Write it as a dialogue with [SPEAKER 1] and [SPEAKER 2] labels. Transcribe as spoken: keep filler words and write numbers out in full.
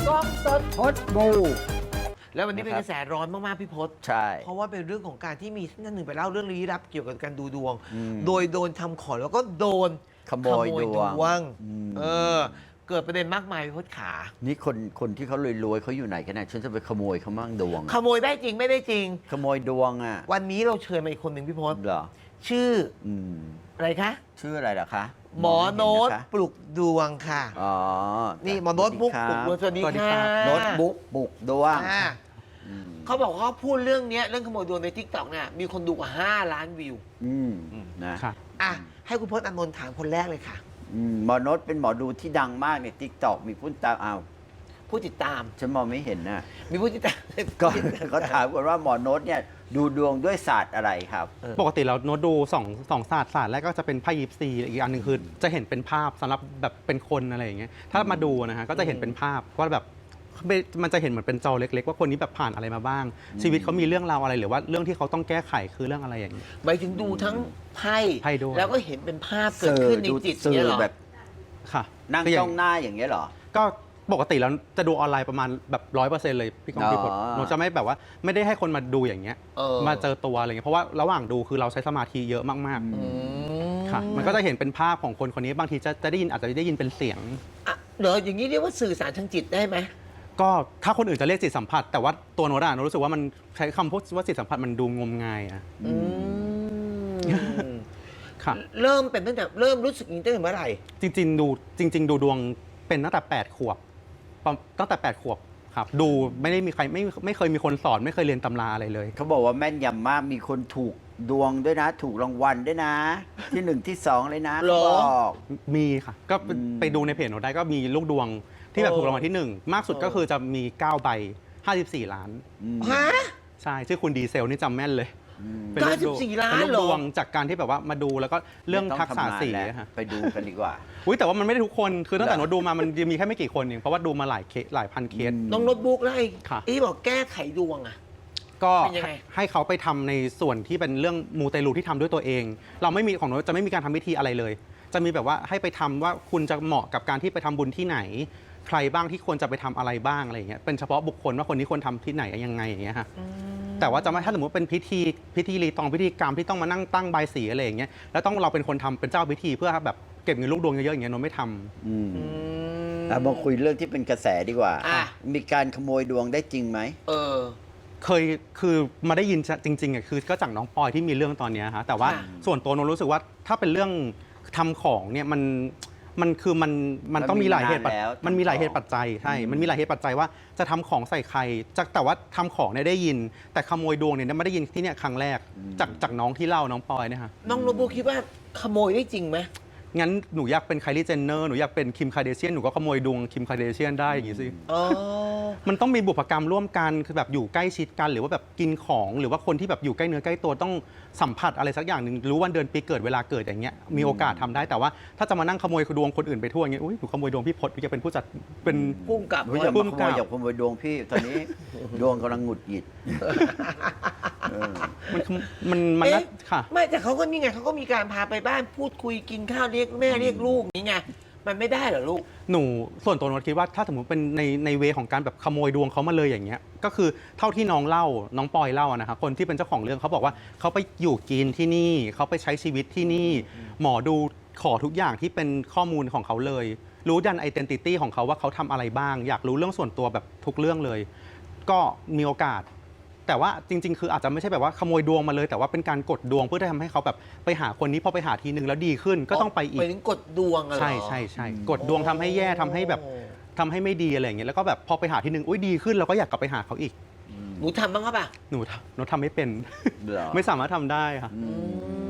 [SPEAKER 1] กล้องสด
[SPEAKER 2] พดบู
[SPEAKER 1] แล้ววันนี้เป็น
[SPEAKER 2] นะค
[SPEAKER 1] ก
[SPEAKER 2] รับ
[SPEAKER 1] ระแสร้อนมากๆพี่พศ
[SPEAKER 2] ใช่
[SPEAKER 1] เพราะว่าเป็นเรื่องของการที่มีท่านหนึ่งไปเล่าเรื่องลี้ลับเกี่ยวกับการดูดวง
[SPEAKER 2] อืม
[SPEAKER 1] โดยโดนทำของแล้วก็โดน
[SPEAKER 2] ขโมยดวง
[SPEAKER 1] ง
[SPEAKER 2] อืม
[SPEAKER 1] เออ เกิดประเด็นมากมายพี่พศขา
[SPEAKER 2] นี่คนคนที่เขารวยๆเขาอยู่ไหนกันนะฉันจะไปขโมยเขามั่งดวง
[SPEAKER 1] ขโมยได้จริงไม่ได้จริง
[SPEAKER 2] ขโมยดวงอ่ะ
[SPEAKER 1] วันนี้เราเชิญมาอีกคนหนึ่งพี่พศ
[SPEAKER 2] เหรอ
[SPEAKER 1] ชื่อ
[SPEAKER 2] อืม
[SPEAKER 1] อะไรคะ
[SPEAKER 2] ชื่ออะไรล่ะคะ
[SPEAKER 1] หมอโน้ต
[SPEAKER 2] ไม่เห็ะคะ
[SPEAKER 1] ปลุกดวงค่ะ
[SPEAKER 2] อ๋อ
[SPEAKER 1] นี่หมอโน้ตบุ๊ก
[SPEAKER 2] ส
[SPEAKER 1] ปลุ
[SPEAKER 2] วั
[SPEAKER 1] ก
[SPEAKER 2] ส
[SPEAKER 1] ด
[SPEAKER 2] ดี
[SPEAKER 1] วงสวัสดี
[SPEAKER 2] ครับ
[SPEAKER 1] ค่ะ
[SPEAKER 2] โน้ตบุ๊กปลุกดวง
[SPEAKER 1] อ่า
[SPEAKER 2] อืม
[SPEAKER 1] เขาบอกว่าเขาพูดเรื่องเนี้ยเรื่องขโมยดวงในทิกตอกเนี่ยมีคนดูกว่าห้าล้านวิว
[SPEAKER 2] อืมนะ
[SPEAKER 3] ค่ะ
[SPEAKER 1] อ่ะให้คุณพจน์อานนท์ถามคนแรกเลยค่ะ
[SPEAKER 2] อืมหมอโน้ตเป็นหมอดูที่ดังมากในทิกตอกมีผู้ตามอ้าว
[SPEAKER 1] ผู้ติดตาม
[SPEAKER 2] ฉันมองไม่เห็นน่ะ
[SPEAKER 1] มีผู้ติดตาม
[SPEAKER 2] ก็เขาถามกันว่าหมอโน้ตเนี่ยดูดวงด้วยศาสตร์อะไรครับ
[SPEAKER 3] ปกติเราโน้ตดูสองสองศาสตร์ศาสตร์แรกก็จะเป็นไพ่ยิปซีอีกอันหนึ่งคือจะเห็นเป็นภาพสำหรับแบบเป็นคนอะไรอย่างเงี้ยถ้ามาดูนะฮะก็จะเห็นเป็นภาพว่าแบบมันจะเห็นเหมือนเป็นจอเล็กๆ ว่าคนนี้แบบผ่านอะไรมาบ้าง ชีวิตเขามีเรื่องราวอะไรหรือว่าเรื่องที่เขาต้องแก้ไขคือเรื่องอะไรอย่างนี้
[SPEAKER 1] หมายถึงดูทั้งไพ่
[SPEAKER 3] ไพ่ด้วย
[SPEAKER 1] แล้วก็เห็นเป็นภาพเกิดขึ้นในจิต
[SPEAKER 2] สื่
[SPEAKER 1] เนี่ย
[SPEAKER 2] อ
[SPEAKER 1] เหรอ
[SPEAKER 2] แบบ
[SPEAKER 3] ค่ะ
[SPEAKER 2] นั่ง
[SPEAKER 3] คืออย่
[SPEAKER 2] จ้องหน้าอย่างเงี้ยเหรอ
[SPEAKER 3] ก็ปกติแล้วจะดูออนไลน์ประมาณแบบร้อยเปอร์เซ็นต์เลยพี่กองพี่พล
[SPEAKER 2] อ๋อ
[SPEAKER 3] หนูจะไม่แบบว่าไม่ได้ให้คนมาดูอย่างเงี้ย
[SPEAKER 1] เออ
[SPEAKER 3] มาเจอตัวอะไรเงี้ยเพราะว่าระหว่างดูคือเราใช้สมาธิเยอะมาก
[SPEAKER 1] อืม
[SPEAKER 3] ๆค่ะมันก็จะเห็นเป็นภาพของคนคนนี้บางทีจะจะได้ยินอาจจะได้ยินเป็นเสียง
[SPEAKER 1] อ่ะเดี๋ยวอย่างนี้เรียกว่าสื่อสารทางจิตได้ไหม
[SPEAKER 3] ก็ถ้าคนอื่นจะเรียกจิตสัมผัส แต่ว่าตัวโน้ตอะโน้ตรู้สึกว่ามันใช้คำพูดว่าจิตสัมผัสมันดูงมงายอะ
[SPEAKER 1] อืม
[SPEAKER 3] ค่ะ
[SPEAKER 1] เริ่มเป็นตั้งแต่เริ่มรู้สึกอย่างนี้ตั้งแต่เมื่อไหร่
[SPEAKER 3] จริง ๆ ดูจริง ๆ ดูดวงเป็นตั้งแต่แปดขวบประตั้งแต่แปดขวบครับดูไม่ได้มีใครไม่ไม่เคยมีคนสอนไม่เคยเรียนตำราอะไรเลย
[SPEAKER 2] เขาบอกว่าแม่นยำมากมีคนถูกดวงด้วยนะ ถูกรางวัลด้วยนะ ที่หนึ่งที่สองเลยนะ
[SPEAKER 1] เหรอ
[SPEAKER 2] เขาบอก
[SPEAKER 3] มีค่ะก็ไป
[SPEAKER 2] อืม
[SPEAKER 3] ไปดูในเพจโน้ตได้ก็มีลูกดวงที่แบบ
[SPEAKER 1] เออ
[SPEAKER 3] ถูกรางวัลที่หนึ่งมากสุด
[SPEAKER 1] เออ
[SPEAKER 3] ก็คือจะมีเก้าใบห้าสิบสี่ล้าน
[SPEAKER 2] อืม
[SPEAKER 1] ฮะ
[SPEAKER 3] ใช่ชื่อคุณดีเซลนี่จำแม่นเลย
[SPEAKER 2] อืม
[SPEAKER 3] เป็นลูกดวง
[SPEAKER 1] เก้าสิบสี่ล้าน
[SPEAKER 3] เป็นลูก
[SPEAKER 1] เหรอ
[SPEAKER 3] ดวงจากการที่แบบว่ามาดูแล้วก็เรื่อง
[SPEAKER 2] ไม่ต้
[SPEAKER 3] ทักษะ
[SPEAKER 2] ทำงาน
[SPEAKER 3] สี
[SPEAKER 2] แล้ว
[SPEAKER 3] อะค่ะ
[SPEAKER 2] ไปดูกันดีกว่า
[SPEAKER 3] อุ้ยแต่ว่ามันไม่ได้ทุกคนคือตั้งแต่
[SPEAKER 2] เหรอ
[SPEAKER 3] โน้ตดูมามันมีแค่ไม่กี่คนเองเพราะว่าดูมาหลายเคสหลายพันเคส
[SPEAKER 2] อืม
[SPEAKER 1] น้องโน้ตบุ๊กแล้วไอ้
[SPEAKER 3] ค่ะ
[SPEAKER 1] ไอ้บอกแก้ไขดวงอ่ะ
[SPEAKER 3] ก็
[SPEAKER 1] เป็นยังไง
[SPEAKER 3] ให้เขาไปทำในส่วนที่เป็นเรื่องมูเตลูที่ทำด้วยตัวเอง เราไม่มีของโน้ตจะไม่มีการทำพิธีอะไรเลย จะมีแบบว่าให้ไปทำว่าคุณจะเหมาะกับการที่ไปทำบุญที่ไหน ใครบ้างที่ควรจะไปทำอะไรบ้างอะไรอย่างเงี้ยเป็นเฉพาะบุคคลว่าคนนี้ควรทำที่ไหนยังไงอย่างเงี้ยค่ะแต่ว่าจะไม่ถ้าสมมติเป็นพิธีพิธีรีตองพิธีกรรมที่ต้องมานั่งตั้งใบายสีอะไรอย่างเงี้ยแล้วต้องเราเป็นคนทำเป็นเจ้าพิธีเพื่อแบบเก็บเงินลูกดวงเยอะๆอย่างเงี้ยโน้ตไม่ทำ
[SPEAKER 2] อืม
[SPEAKER 1] อืม
[SPEAKER 2] เอามาคุยเรื่องที่เป็นกระแสดีกว่า
[SPEAKER 1] อ่ะ
[SPEAKER 2] มีการขโมยดวงได้จริงไหม
[SPEAKER 1] เออ
[SPEAKER 3] เคยคือมาได้ยินจริงๆอ่ะคือก็จากน้องปอยที่มีเรื่องตอนเนี้ยฮะแต่ว่า
[SPEAKER 1] ค่ะ
[SPEAKER 3] ส่วนตัวโนรู้สึกว่าถ้าเป็นเรื่องทำของเนี่ยมันมันคือมันมันต้องมีหลายเหตุปัจ
[SPEAKER 2] มันมีนานแล้ว
[SPEAKER 3] มันมีหลาย
[SPEAKER 2] ทำของ
[SPEAKER 3] เหตุปัจจัยใช่
[SPEAKER 2] อืม
[SPEAKER 3] มันมีหลายเหตุปัจจัยว่าจะทำของใส่ใครจากแต่ว่าทำของเนี่ยได้ยิน แต่ขโมยดวงเนี่ยไม่ได้ยินที่เนี่ยครั้งแรกจากจากน้องที่เล่าน้องปอยเนี่ยฮะ
[SPEAKER 1] น้องโน้ตบุ๊กคิดว่าขโมยได้จริงไหม
[SPEAKER 3] งั้นหนูอยากเป็นไคลี่เจนเนอร์หนูอยากเป็นคิมคาเดเชียนหนูก็ขโมยดวงคิมคาเดเชียนได้อย่างงี้สิ
[SPEAKER 1] อ๋อ
[SPEAKER 3] มันต้องมีบุพกรรมร่วมกันคือแบบอยู่ใกล้ชิดกันหรือว่าแบบกินของหรือว่าคนที่แบบอยู่ใกล้เนื้อใกล้ตัวต้องสัมผัสอะไรสักอย่างหนึ่งรู้วันเดือนปีเกิดเวลาเกิดอย่างเงี้ยมีโอกาสทำได้แต่ว่าถ้าจะมานั่งขโมยดวงคนอื่นไปทั่วอย่างเงี้ยอุ้ยหนูขโมยดวงพี่พศหนูจะเป็นผู้จัดเป็น
[SPEAKER 1] พุ่งกลับ
[SPEAKER 2] เฮ้ยอย่า
[SPEAKER 3] พุ่
[SPEAKER 2] มาม ข
[SPEAKER 3] ก
[SPEAKER 2] โม
[SPEAKER 3] ลั
[SPEAKER 2] ย
[SPEAKER 3] บ
[SPEAKER 2] อย่าขโมยดวงพี่ ตอนนี้ ดวงกำลังหงุดหงิดเออ
[SPEAKER 3] มันมันมันน่า
[SPEAKER 1] เอ๊ะ
[SPEAKER 3] ค่ะ
[SPEAKER 1] ไม่แต่เขาก็นี่ไงเขาก็มีการพาไปบ้านพูดคุยกินข้าวเรียกแม่เรียกลูกนี่ไงมันไม่ได้เหรอลูก
[SPEAKER 3] หนูส่วนตัวหนูคิดว่าถ้าสมมติเป็นในในเวของการแบบขโมยดวงเขามาเลยอย่างเงี้ยก็คือเท่าที่น้องเล่าน้องปอยเล่าอะนะคะคนที่เป็นเจ้าของเรื่องเขาบอกว่าเขาไปอยู่กินที่นี่เขาไปใช้ชีวิตที่นี่ หมอดูขอทุกอย่างที่เป็นข้อมูลของเขาเลย รู้ดันไอเดนติตี้ของเขาว่าเขาทำอะไรบ้าง อยากรู้เรื่องส่วนตัวแบบทุกเรื่องเลย ก็มีโอกาส แต่ว่าจริง ๆ คืออาจจะไม่ใช่แบบว่าขโมยดวงมาเลย แต่ว่าเป็นการกดดวงเพื่อที่ทำให้เขาแบบไปหาคนนี้พอไปหาทีนึงแล้วดีขึ้นก็ต้องไปอี
[SPEAKER 1] ไป
[SPEAKER 3] ก
[SPEAKER 1] ถึงกดดวงอะเหรอ
[SPEAKER 3] ใช่ใช่ใช่กดดวงทำให้แย่ทำให้แบบทำให้ไม่ดีอะไรอย่างเงี้ยแล้วก็แบบพอไปหาทีนึงอุ้ยดีขึ้นเราก็อยากกลับไปหาเขาอีก
[SPEAKER 1] หนูทำบ้างครับป่ะ
[SPEAKER 3] หนูหนูทำไม่เป็น
[SPEAKER 2] เหรอ
[SPEAKER 3] ไม่สามารถทำได้ค่ะ
[SPEAKER 2] อืม